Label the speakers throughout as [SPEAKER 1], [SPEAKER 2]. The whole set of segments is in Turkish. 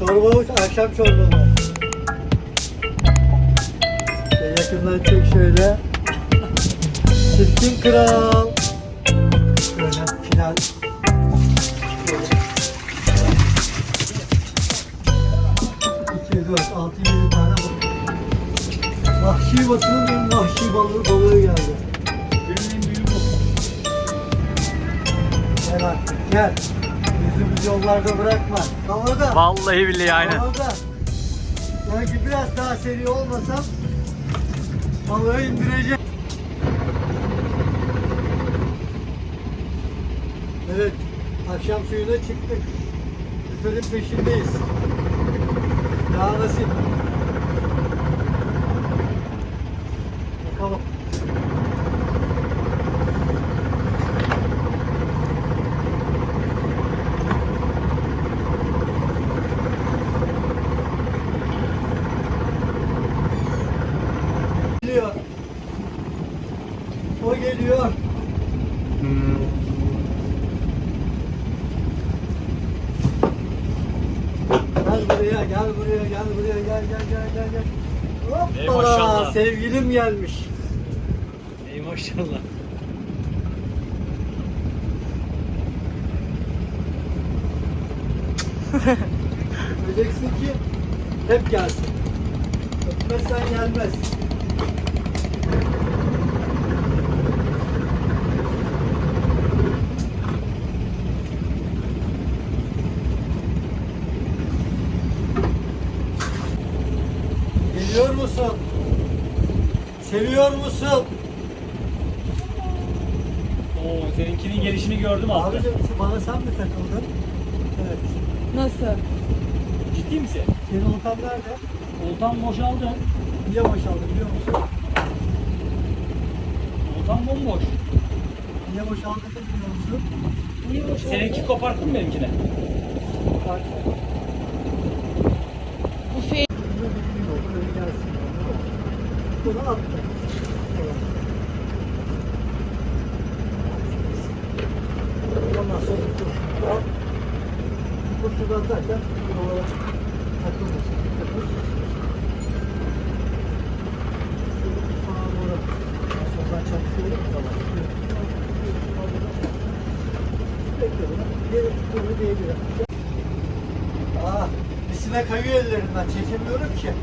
[SPEAKER 1] Çorba, akşam çorbalı. Yakından çek şöyle. Çirkin kral. Böyle final. 2, 4, 6, 7 tane balık. Vahşi batının en vahşi balığı geldi.
[SPEAKER 2] Benim en büyük bu.
[SPEAKER 1] Gel artık gel. Yüzümüzü yollarda bırakma. Havada.
[SPEAKER 3] Vallahi billahi aynen.
[SPEAKER 1] Havada. Belki biraz daha seri olmasam balığı indireceğim. Evet. Akşam suyuna çıktık. Lüferin peşindeyiz. Ya nasip. Bakalım. Geliyor. O geliyor. Gel buraya, gel.
[SPEAKER 3] Ey
[SPEAKER 1] Hoppala,
[SPEAKER 3] maşallah.
[SPEAKER 1] sevgilim gelmiş.
[SPEAKER 3] Ey maşallah.
[SPEAKER 1] Öpeceksin ki hep gelsin. Öpmezsen gelmez. Geliyor musun? Seviyor musun?
[SPEAKER 3] Oo, seninkinin gelişini gördüm abi.
[SPEAKER 1] Abicim bana sen mi takıldın? Evet.
[SPEAKER 4] Nasıl?
[SPEAKER 3] Ciddi misin?
[SPEAKER 1] Senin oltan nerede?
[SPEAKER 3] Oltan boşaldı.
[SPEAKER 1] Niye boşaldı biliyor musun?
[SPEAKER 3] Oltan bomboş.
[SPEAKER 1] Niye boşaldı biliyor musun?
[SPEAKER 4] Niye boşaldın?
[SPEAKER 3] Seninki koparttın mı benimkine?
[SPEAKER 1] Bak.
[SPEAKER 4] Bu fe...
[SPEAKER 1] Öyle gelsin. Bunu attı. Evet. Ondan sonra bu şuradan atarken buralara takılmasın. Takılır. Sağa doğru. Soldan çalışıyorum. Tamam. Bekle bunu. Bunu diyebilirim. Misine kayıyor ellerinden. Çekemiyorum ki.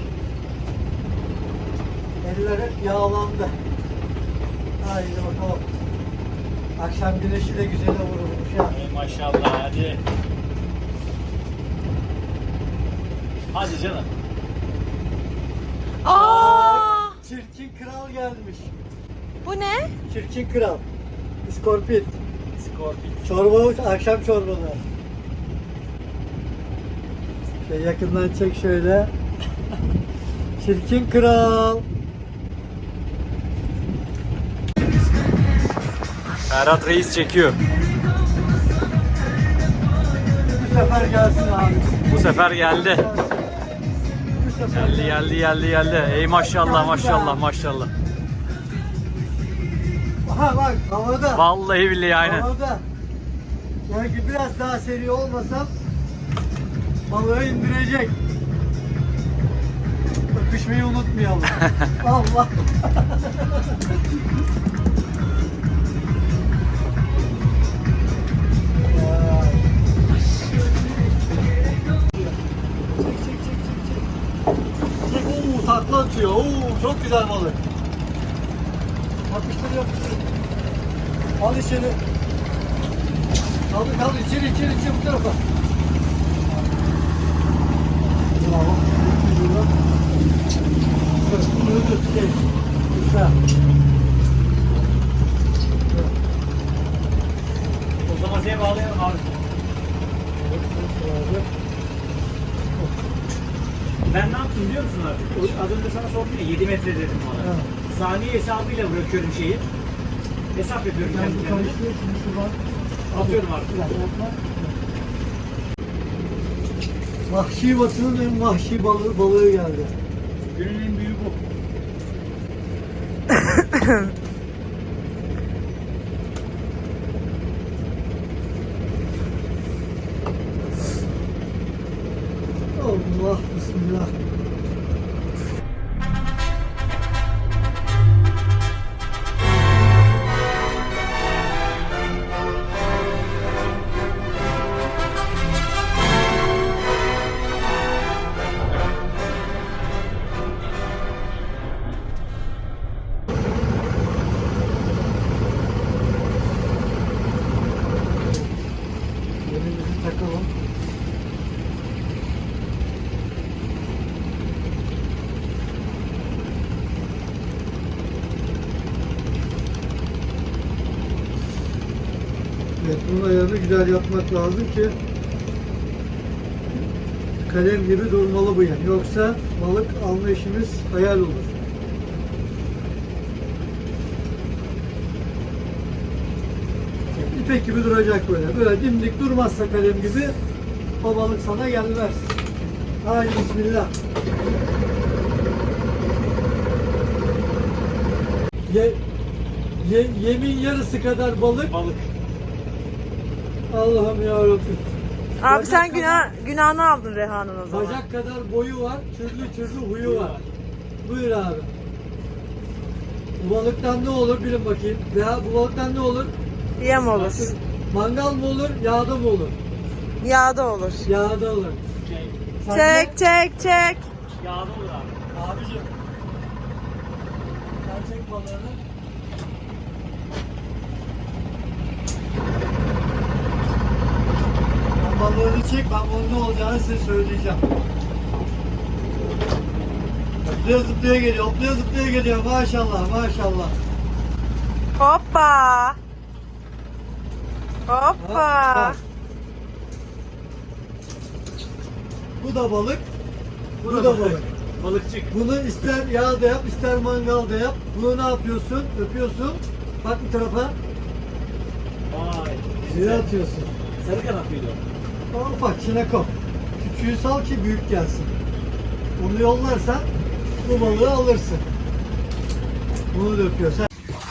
[SPEAKER 1] Eller hep yağlandı. Haydi bakalım. Akşam güneşi de güzel vurulmuş ya.
[SPEAKER 3] Ey maşallah hadi. Hadi canım.
[SPEAKER 4] Aa!
[SPEAKER 1] Çirkin kral gelmiş.
[SPEAKER 4] Bu ne?
[SPEAKER 1] Çirkin kral. İskorpit.
[SPEAKER 3] Skorpit.
[SPEAKER 1] Çorba, akşam çorbalı. Yakından çek şöyle. Çirkin kral.
[SPEAKER 3] Ferhat Reis çekiyor.
[SPEAKER 1] Bu sefer gelsin abi.
[SPEAKER 3] Bu sefer geldi.
[SPEAKER 1] Bu sefer
[SPEAKER 3] Geldi. Ey maşallah maşallah.
[SPEAKER 1] Aha bak havada.
[SPEAKER 3] Vallahi billahi aynen.
[SPEAKER 1] Havada. Belki biraz daha seri olmasam balığı indirecek. Öpüşmeyi unutmayalım. Allah. Çek. Takla atıyor. Çok güzel balık. Yapıştır. Al içeri. Kaldır içeri bu tarafa. Bravo. Güzel.
[SPEAKER 3] O zaman seni bağlayalım abi. Ben ne yaptım biliyor musun artık? Az önce sana sordum ya 7 metre dedim bana.
[SPEAKER 1] Evet.
[SPEAKER 3] Saniye hesabıyla bırakıyorum şeyi. Hesap yapıyorum
[SPEAKER 1] Ben
[SPEAKER 3] kendi
[SPEAKER 1] bu
[SPEAKER 3] kendime.
[SPEAKER 1] karıştırıyor. Şimdi şuradan
[SPEAKER 3] Atıyorum artık.
[SPEAKER 1] Vahşi batının en vahşi balığı geldi.
[SPEAKER 3] Günün en büyüğü bu.
[SPEAKER 1] Allah bismillah. Elimizi takalım. Evet, bunun ayarını güzel yapmak lazım ki kalem gibi durmalı bu yan. Yoksa balık alma işimiz hayal olur. İpek gibi duracak böyle. Böyle dimdik durmazsa kalem gibi o balık sana gelmez. Haydi bismillah. Yemin yarısı kadar balık.
[SPEAKER 3] Balık.
[SPEAKER 1] Allah'ım yarabbim.
[SPEAKER 4] Abi sen
[SPEAKER 1] Bacak kadar-
[SPEAKER 4] günahını aldın Reha'nın o zaman.
[SPEAKER 1] Bacak kadar boyu var, türlü türlü huyu var. Buyur abi. Bu balıktan ne olur bilin bakayım. Veya bu balıktan ne olur?
[SPEAKER 4] Yem olur.
[SPEAKER 1] Mangal mı olur, yağda mı olur?
[SPEAKER 4] Yağda olur.
[SPEAKER 1] Yağda olur.
[SPEAKER 3] Şey,
[SPEAKER 1] Sen
[SPEAKER 4] Çek çek çek.
[SPEAKER 3] yağda olur abi.
[SPEAKER 1] Abicim. Sen çek balığını. Sen balığını çek, ben bunun ne olacağını size söyleyeceğim. Hoplaya zıplaya geliyor, hoplaya zıplaya geliyor. Maşallah, maşallah.
[SPEAKER 4] Hoppa.
[SPEAKER 1] Bak,
[SPEAKER 4] Hoppa.
[SPEAKER 1] bak. Bu da balık. Bu da balık.
[SPEAKER 3] Balıkçık.
[SPEAKER 1] Bunu ister yağda yap, ister mangalda yap. Bunu ne yapıyorsun? Öpüyorsun. Bak bu tarafa.
[SPEAKER 3] Vay.
[SPEAKER 1] Suya atıyorsun.
[SPEAKER 3] Sarı kanat mıydı o?
[SPEAKER 1] O ufak çinekop. Küçüğü sal ki büyük gelsin. Onu yollarsan bu balığı alırsın. Bunu da öpüyorsun.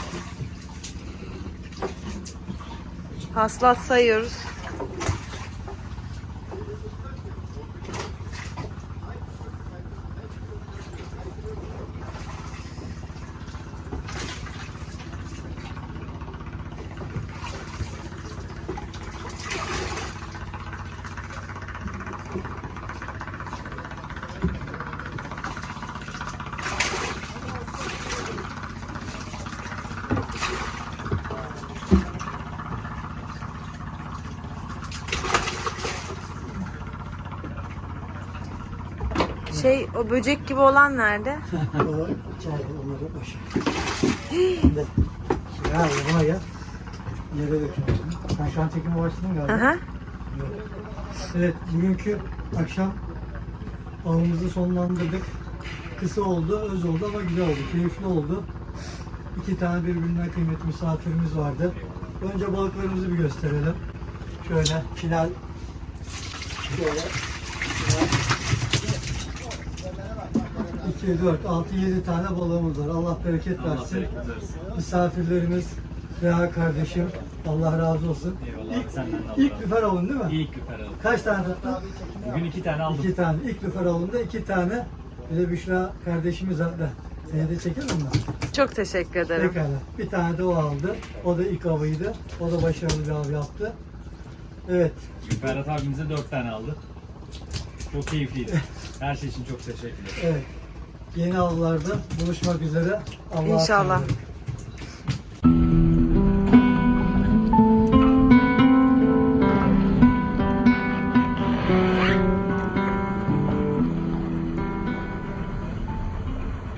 [SPEAKER 4] Haslat sayıyoruz. O böcek gibi olan nerede?
[SPEAKER 1] O içeride onları boş. Şimdi ya buna gel. Yere döküyorsun. Sen şu an çekime başladın galiba.
[SPEAKER 4] Aha.
[SPEAKER 1] Evet, bugünkü akşam avımızı sonlandırdık. Kısa oldu, öz oldu ama güzel oldu, keyifli oldu. 2 tane birbirinden kıymetli misafirimiz vardı. Önce balıklarımızı bir gösterelim. Şöyle final. Şöyle. 2, 4, 6, 7 tane balığımız var. Allah bereket
[SPEAKER 3] Allah
[SPEAKER 1] versin.
[SPEAKER 3] bereket versin.
[SPEAKER 1] Misafirlerimiz, Reha kardeşim, Allah razı olsun.
[SPEAKER 3] Eyvallah. Senden de Allah
[SPEAKER 1] İlk
[SPEAKER 3] razı
[SPEAKER 1] lüfer avın değil mi?
[SPEAKER 3] olsun. İlk lüfer aldım.
[SPEAKER 1] Kaç tane tuttun?
[SPEAKER 3] Bugün 2 tane aldım.
[SPEAKER 1] 2 tane. İlk lüfer avında 2 tane. Bir de Büşra kardeşimiz aldı. Seni de çekelim mi?
[SPEAKER 4] Çok teşekkür ederim.
[SPEAKER 1] Pekala. Bir tane de o aldı. O da ilk avıydı. O da başarılı bir av yaptı. Evet.
[SPEAKER 3] Ferhat abimize 4 tane aldı. Çok keyifliydi. Her şey için çok teşekkür ederim.
[SPEAKER 1] Evet. Yeni avlarda buluşmak üzere. Allah'a
[SPEAKER 4] İnşallah.
[SPEAKER 1] emanet olun.